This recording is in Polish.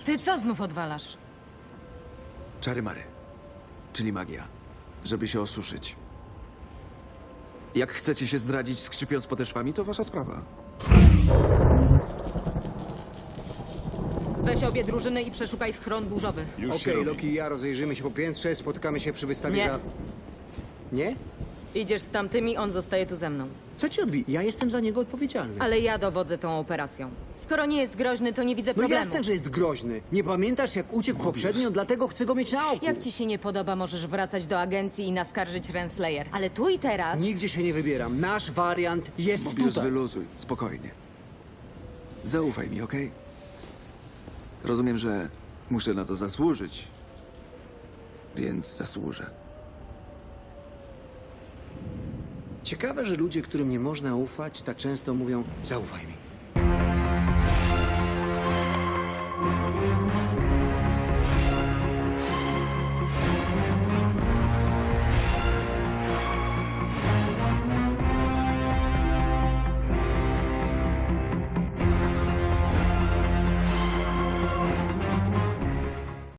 Ty co znów odwalasz? Czary mary, czyli magia, żeby się osuszyć. Jak chcecie się zdradzić, skrzypiąc podeszwami, to wasza sprawa. Weź obie drużyny i przeszukaj schron burzowy. Już się Okej, robi. Loki i ja rozejrzymy się po piętrze, spotykamy się przy wystawie Nie. za... Nie? Idziesz z tamtymi, on zostaje tu ze mną. Co ci odbije? Ja jestem za niego odpowiedzialny. Ale ja dowodzę tą operacją. Skoro nie jest groźny, to nie widzę No problemu. jasne, że jest groźny. Nie pamiętasz, jak uciekł poprzednio, dlatego chcę go mieć na oku. Jak ci się nie podoba, możesz wracać do agencji i naskarżyć Renslayer. Ale tu i teraz... Nigdzie się nie wybieram. Nasz wariant jest Mobius, tutaj. wyluzuj, spokojnie. Zaufaj mi, okej? Rozumiem, że muszę na to zasłużyć, więc zasłużę. Ciekawe, że ludzie, którym nie można ufać, tak często mówią zaufaj mi.